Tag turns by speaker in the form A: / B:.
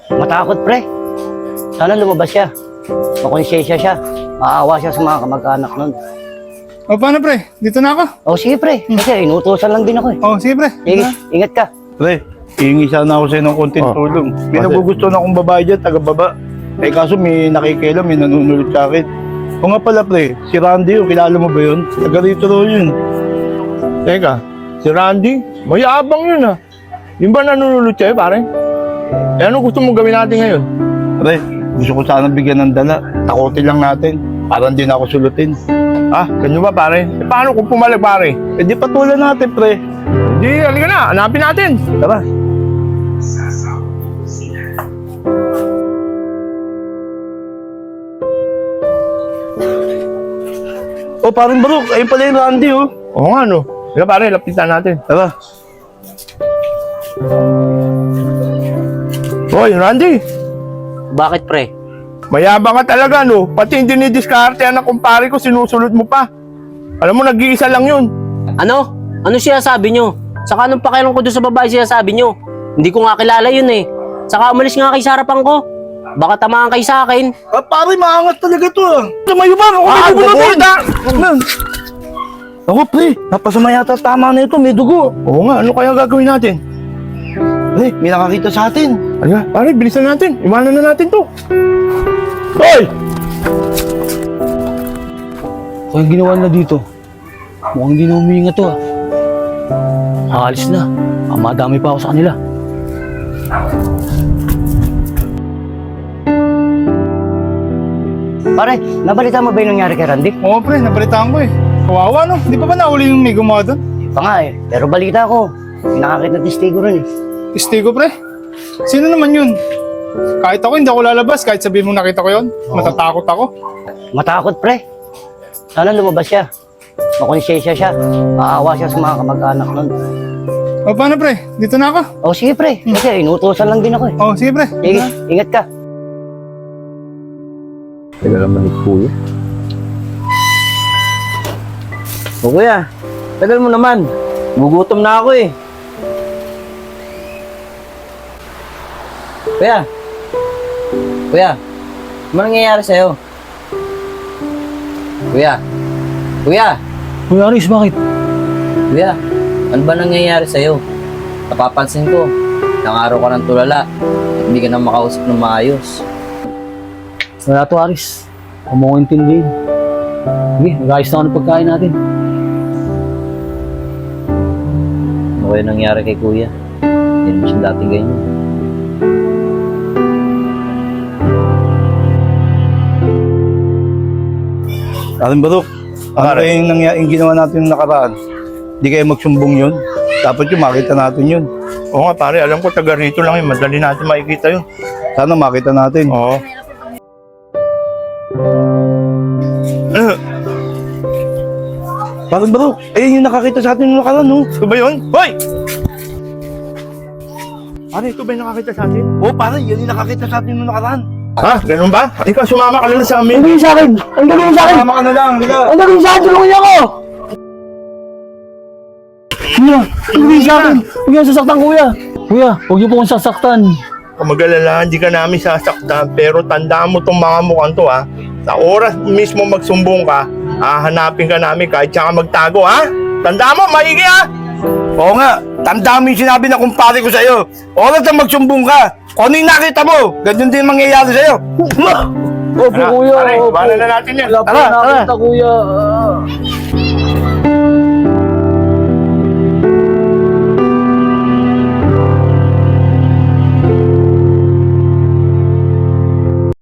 A: Matakot, pre. Sana lumabas siya. Makonsensya siya. Maawa siya sa mga kamag-anak nun.
B: O paano pre? Dito na ako.
A: O sige, pre. Kasi inutusan lang din ako eh.
B: O sige pre.
A: Sige, ingat ka.
C: Pre, hihingi sana ako sa'yo ng konting tulong. May nagugustuhan akong babae dyan, taga-baba. Eh kaso may nakikialam, may nanunulot sa akin. O nga pala pre, si Randy, kilala mo ba yun? Taga rito raw yun.
D: Teka, si Randy? Mayabang yun ah. Yung ba nanunulot sa'yo, pare? Eh ano gusto mong gawin natin ngayon?
C: Pre, gusto ko sana bigyan ng dala. Takotin lang natin. Para hindi na ako sulutin.
D: Ah, ganyan ba pare? Eh paano kung pumalag pare?
C: Eh di patulan natin pre.
D: Di, halika na, hanapin natin.
C: Tara. Oh, parang Barok. Ayun pala yung Randy, oh.
D: Oo nga no. Halika pare, lapitan natin.
C: Tara.
D: Hoy, Randy!
A: Bakit, pre?
D: Mayabang ka talaga no. Pati yung dinidiskarte ng kumpare ko, sinusulot mo pa. Alam mo, nag-iisa lang yun.
E: Ano? Ano siya sabi nyo? Saka anong pakialam ko doon sa babae siya sabi nyo? Hindi ko nga kilala yun eh. Saka umalis nga kay sa harapan ko. Baka tamaan kay sa akin.
C: Ah, pare, maangat talaga to, ah. Tumayo ba? Ako may dugo na to. Ako, pre. Napasama yata tama na ito. May dugo.
D: Oo nga, ano kaya gagawin natin?
C: Pre, may nakakita sa atin.
D: Halika, pare, bilisan natin. Iwanan na natin to. Hoy!
A: Kung ginawa na dito, mukhang hindi na huminga to ah. Aalis na. Madami pa ako sa kanila. Pare, nabalita mo ba yung nangyari kay Randy?
B: Oo pre, nabalitaan ko eh. Kawawa no? Di pa ba nahuli yung may gumawa doon?
A: Pa nga eh, pero balita ko. May nakakita ng testigo rin eh.
B: Testigo pre? Sino naman yun? Kahit ako hindi ako lalabas, kahit sabihin mo nakita ko yun, matatakot ako.
A: Matakot, pre. Sana lumabas siya. Makonsensya siya. Maawa siya sa mga kamag-anak nun.
B: O paano pre? Dito na ako.
A: O sige, pre. Kasi inutusan lang din ako eh.
B: O sige pre.
A: Sige, ingat ka.
D: Teka naman ni Kuya.
E: O kuya, tagal mo naman. Gugutom na ako eh. Kuya. Kuya, ano nangyayari sa'yo? Kuya. Kuya.
A: Kuya Aris, bakit?
E: Kuya, ano ba nangyayari sa'yo? Napapansin ko, ilang araw ka ng tulala at hindi ka na makausap ng maayos.
A: Wala to, Aris. Huwag mo ko intindihin. Sige, mag-ayos na ako ng pagkain natin.
E: Ano kaya nangyari kay kuya? Hindi naman siya dating ganyan.
C: Aling Barok, ano yung ginawa natin yung nakaraan? Di kayo magsumbong yun? Dapat yung makita natin yun.
D: Oo nga pare, alam ko taga rito lang yun. Madali natin makikita yun.
C: Sana makita natin.
D: Oo.
C: Parang Barok, ayun yung nakakita sa atin yung nakaraan, no?
D: Ito ba yun? Hoy! Pare, ito ba yung nakakita sa atin?
C: Oo, pare, yan yung nakakita sa atin yung nakaraan.
D: Ha? Ganun ba? Ikaw, sumama ka lang sa amin.
A: Ang gawin sa akin! Ang gawin sa akin!
C: Tama ka na lang, halika.
A: Ang gawin sa akin! Tulungan niyo ako! Kuya! Ang gawin sa akin! Huwag niyo sasaktan, kuya! Kuya, huwag niyo po akong sasaktan.
D: Kung mag-alala, hindi ka namin sasaktan. Pero tandaan mo itong mga mukhang to, ha? Sa oras mismo magsumbong ka, hahanapin ka namin kahit siya ka magtago, ha? Tandaan mo, maigi, ha?
C: Oo nga, tandaan mo yung sinabi na kumpare ko sa'yo. Oras na magsumbong ka. Kung ano yung nakita mo, ganyan din mangyayari sa'yo.
A: Opo, kuya!
D: Pare,
A: Opo!
D: bahala na natin yan.
A: Wala po
C: Tara,
A: nakita, kuya.